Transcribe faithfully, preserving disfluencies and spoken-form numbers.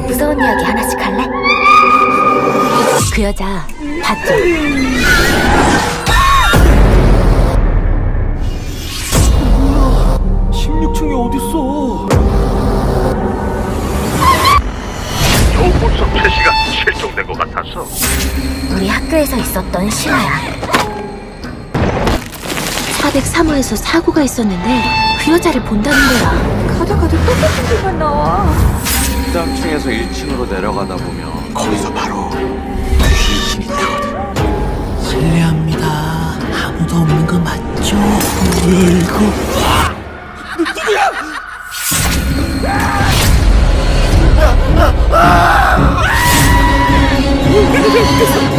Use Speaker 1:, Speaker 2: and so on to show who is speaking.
Speaker 1: 무서운 이야기 하나씩 할래? 그 여자 봤죠?
Speaker 2: 십육 층이 어딨어?
Speaker 3: 조골석 최씨가 실종된 것 같았어.
Speaker 1: 우리 학교에서 있었던 실화야. 사백삼 호에서 사고가 있었는데 그 여자를 본다는 거야.
Speaker 4: 가다 가다 똑같은 길만 나와.
Speaker 2: 십삼 층에서 일 층으로 내려가다 보면 거기서 바로 귀신이 있다거든.
Speaker 5: 실례합니다. 아무도 없는 거 맞죠? 이거
Speaker 4: 그